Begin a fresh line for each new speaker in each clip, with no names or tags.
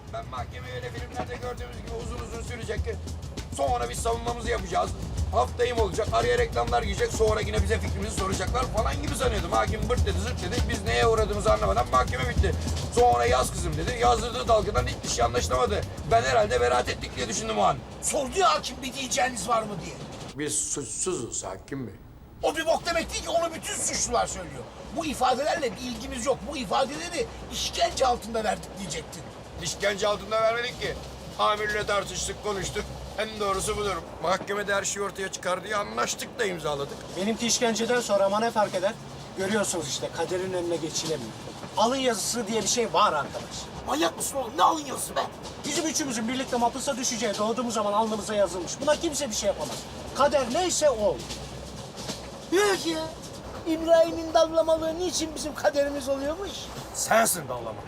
Ben mahkemeyi öyle filmlerde gördüğümüz gibi uzun uzun sürecek. Sonra biz savunmamızı yapacağız. Haftayım olacak, araya reklamlar girecek, sonra yine bize fikrimizi soracaklar falan gibi sanıyordum. Hakim bırt dedi, zırt dedi. Biz neye uğradığımızı anlamadan mahkeme bitti. Sonra yaz kızım dedi. Yazdırdığı dalgadan hiçbir şey anlaşılamadı. Ben herhalde beraat ettik diye düşündüm o an.
Sordu ya hakim bir diyeceğiniz var mı diye.
Biz suçsuzuz hakim bey.
O bir bok demek değil ki, onu bütün suçlular söylüyor. Bu ifadelerle bir ilgimiz yok. Bu ifadeleri işkence altında verdik diyecektin.
İşkence altında vermedik ki. Amirle tartıştık, konuştuk. En doğrusu budur. Mahkemede her şey ortaya çıkar diye anlaştık da imzaladık.
Benimki işkenceden sonra ama ne fark eder? Görüyorsunuz işte kaderin önüne geçilemiyor. Alın yazısı diye bir şey var arkadaş.
Manyak mısın oğlum? Ne alın yazısı be?
Bizim üçümüzün birlikte mahpusa düşeceği doğduğumuz zaman alnımıza yazılmış. Buna kimse bir şey yapamaz. Kader neyse o.
Yok ya. İbrahim'in dallamalığı niçin bizim kaderimiz oluyormuş?
Sensin dallama.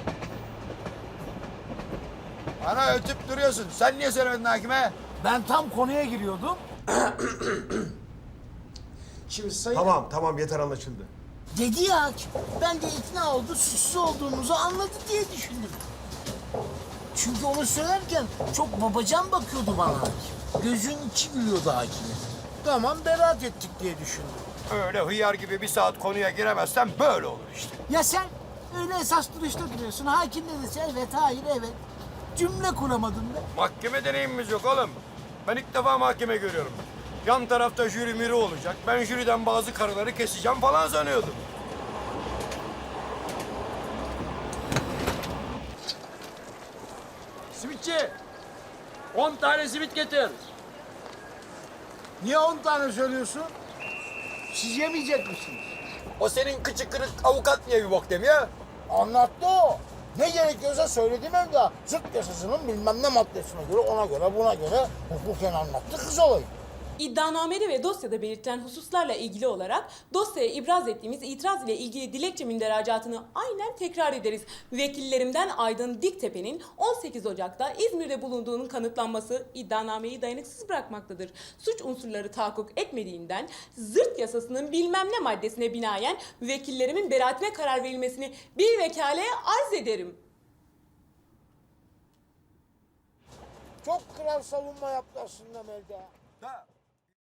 Bana ötüp duruyorsun. Sen niye söylemedin hakime?
Ben tam konuya giriyordum.
Şimdi sayın...
Tamam yeter anlaşıldı.
Dedi ya hakim. Ben de ikna oldu, suçsuz olduğumuzu anladı diye düşündüm. Çünkü onu söylerken çok babacan bakıyordu bana hakim. Gözünün içi gülüyordu hakime. Tamam, beraat ettik diye düşündüm.
Öyle hıyar gibi bir saat konuya giremezsen böyle olur işte.
Ya sen öyle esas duruşta duruyorsun. Hakim ne dese evet, hayır, evet. Cümle kuramadın be.
Mahkeme deneyimimiz yok oğlum. Ben ilk defa mahkeme görüyorum. Yan tarafta jüri miri olacak. Ben jüriden bazı karıları keseceğim falan sanıyordum.
Simitçi, 10 tane simit getir.
Niye 10 tane söylüyorsun? Siz yemeyecek misiniz?
O senin kıçı kırık avukat niye bir bok demiyor?
Anlattı o. Ne gerekiyorsa söyledim evde. Zırt yasasının bilmem ne maddesine göre, ona göre, buna göre hukuken anlattı kız olayı.
İddianamede ve dosyada belirtilen hususlarla ilgili olarak dosyaya ibraz ettiğimiz itiraz ile ilgili dilekçe münderacaatını aynen tekrar ederiz. Vekillerimden Aydın Diktepe'nin 18 Ocak'ta İzmir'de bulunduğunun kanıtlanması iddianameyi dayanıksız bırakmaktadır. Suç unsurları tahakkuk etmediğinden zırt yasasının bilmem ne maddesine binaen vekillerimin beraatine karar verilmesini bir vekaleye arz ederim.
Çok kral savunma yaptı aslında Melda.
Ha,